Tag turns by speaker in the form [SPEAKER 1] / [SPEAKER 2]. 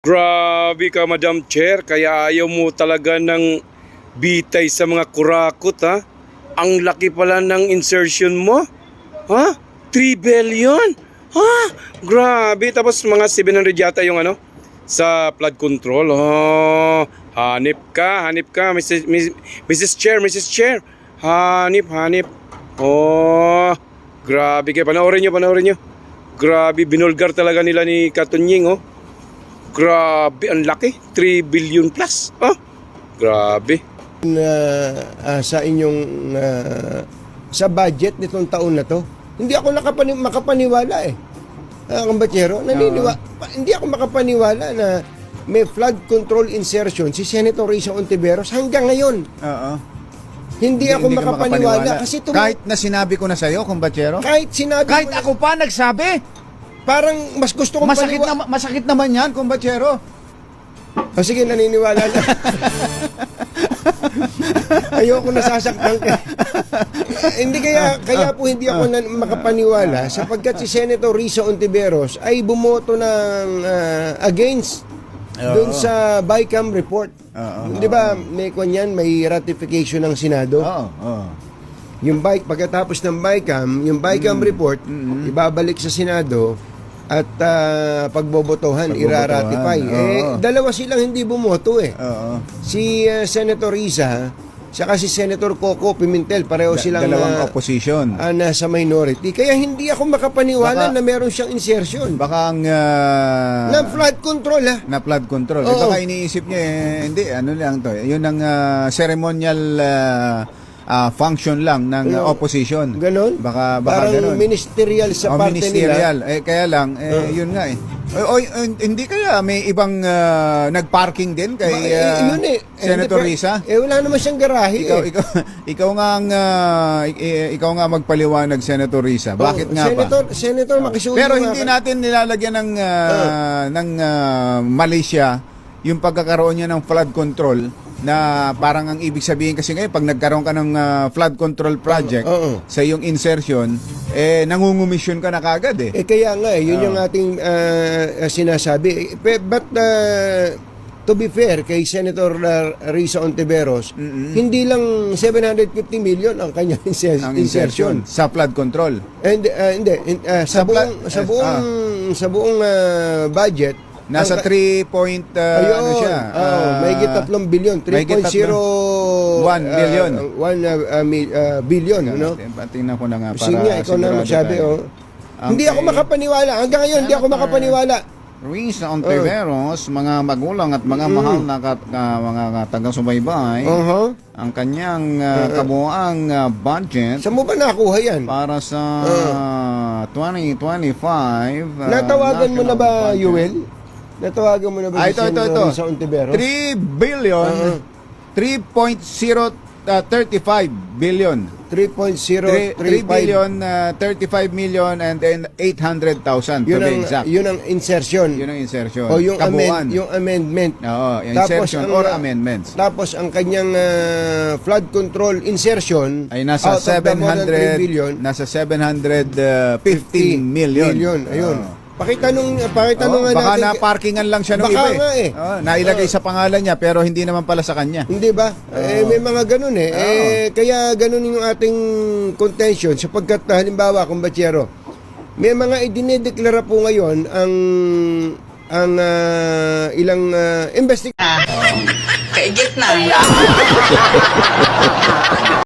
[SPEAKER 1] Grabe ka, Madam Chair, kaya ayaw mo talaga ng bitay sa mga kurakot, ha? Ang laki pala ng insertion mo, ha? 3 billion? Ha? Grabe, tapos mga 700 yata yung ano, sa flood control. Oh, hanip ka, Mrs. Chair, Mrs. Chair. Hanip. Oh, grabe kayo, panoorin nyo. Grabe, binulgar talaga nila ni Katunying, oh. Grabe, ang laki. 3 billion plus. Oh, grabe.
[SPEAKER 2] Sa inyong sa budget nitong taon na to, hindi ako makapaniwala eh. Kambatsero, hindi ako makapaniwala na may flood control insertion si Senator Risa Ontiveros hanggang ngayon.
[SPEAKER 3] Oo.
[SPEAKER 2] Hindi ako makapaniwala kasi
[SPEAKER 3] kahit na sinabi ko na sa'yo, Kumbatsero.
[SPEAKER 2] kahit sinabi
[SPEAKER 3] Kahit
[SPEAKER 2] ko na,
[SPEAKER 3] ako pa nagsabi.
[SPEAKER 2] parang mas gusto kong
[SPEAKER 3] Masakit naman yan, Kumbatsero.
[SPEAKER 2] sige, naniniwala na. Ayoko nasasaktan ka. Hindi kaya po hindi ako makapaniwala sapagkat si Senator Risa Ontiveros ay bumoto ng against doon sa BICAM report. Di ba may may ratification ng Senado? Yung pagkatapos ng BICAM report, ibabalik sa Senado at pagbobotohan, iraratify. Dalawa silang hindi bumoto eh. Si Senator Risa saka si Senator Coco Pimentel, pareho silang
[SPEAKER 3] dalawang opposition.
[SPEAKER 2] Nasa minority. Kaya hindi ako makapaniwala na meron siyang insertion.
[SPEAKER 3] Baka ang
[SPEAKER 2] Na flood control ha.
[SPEAKER 3] na flood control.
[SPEAKER 2] Oo.
[SPEAKER 3] Baka iniisip niya hindi, ano lang to. Yun ang ceremonial function lang ng opposition.
[SPEAKER 2] Ganon?
[SPEAKER 3] Baka
[SPEAKER 2] Parang
[SPEAKER 3] ganon.
[SPEAKER 2] ministerial sa parte
[SPEAKER 3] ministerial.
[SPEAKER 2] nila.
[SPEAKER 3] Kaya lang, yun nga eh. Hindi kaya may ibang nagparking din kay
[SPEAKER 2] Yun
[SPEAKER 3] Senator Risa?
[SPEAKER 2] Wala naman siyang garahe
[SPEAKER 3] Ikaw nga magpaliwanag, Senator Risa. Bakit nga ba?
[SPEAKER 2] Senator, makisuyo
[SPEAKER 3] Pero
[SPEAKER 2] nga
[SPEAKER 3] hindi
[SPEAKER 2] ka-
[SPEAKER 3] natin nilalagyan ng Malaysia yung pagkakaroon niya ng flood control na parang ang ibig sabihin kasi ngayon pag nagkaroon ka ng flood control project sa iyong insertion, nangungumisyon ka na kagad eh.
[SPEAKER 2] Kaya nga yun yung ating sinasabi. But to be fair kay Senator Risa Ontiveros, hindi lang 750 million ang kanyang insertion
[SPEAKER 3] Sa flood control.
[SPEAKER 2] and hindi sa buong budget
[SPEAKER 3] Nasa 3 point ano siya?
[SPEAKER 2] mahigit 3 billion, 3.01
[SPEAKER 3] billion.
[SPEAKER 2] Billion, no?
[SPEAKER 3] Tingnan ko na nga para
[SPEAKER 2] Sige nga, ikaw na magsabi, Hindi ako makapaniwala. Hanggang ngayon, hindi ako makapaniwala.
[SPEAKER 3] Risa Ontiveros, mga magulang at mga mahal na mga taga-subaybay, ang kanyang kabuuang budget
[SPEAKER 2] Saan mo ba nakuha yan?
[SPEAKER 3] para sa 2025.
[SPEAKER 2] Natawagan mo na ba,
[SPEAKER 3] budget.
[SPEAKER 2] Yuel? Natawagan mo na ba si Senator Risa Ontiveros?
[SPEAKER 3] 3 billion, 3.035 billion. 3
[SPEAKER 2] 3.035
[SPEAKER 3] billion, 35 million and then 800,000 to be exact.
[SPEAKER 2] Yun ang insertion.
[SPEAKER 3] Yun ang insertion.
[SPEAKER 2] O yung,
[SPEAKER 3] Kabuuan.
[SPEAKER 2] yung amendment.
[SPEAKER 3] Oo, yung
[SPEAKER 2] Tapos
[SPEAKER 3] insertion
[SPEAKER 2] ang,
[SPEAKER 3] or amendments.
[SPEAKER 2] Tapos ang kanyang flood control insertion
[SPEAKER 3] Ay nasa
[SPEAKER 2] out of the more than 3 billion,
[SPEAKER 3] 700, nasa 715 million.
[SPEAKER 2] Ayun. Pakita nung
[SPEAKER 3] Baka
[SPEAKER 2] natin.
[SPEAKER 3] na-parkingan lang siya ng
[SPEAKER 2] Baka
[SPEAKER 3] iba eh.
[SPEAKER 2] nga eh.
[SPEAKER 3] Nailagay sa pangalan niya pero hindi naman pala sa kanya.
[SPEAKER 2] Hindi ba? May mga ganun eh. Kaya ganun yung ating contention sapagkat halimbawa, Kumbatsero, may mga idinedeklara po ngayon ang ilang investigation.
[SPEAKER 4] Kaigit na.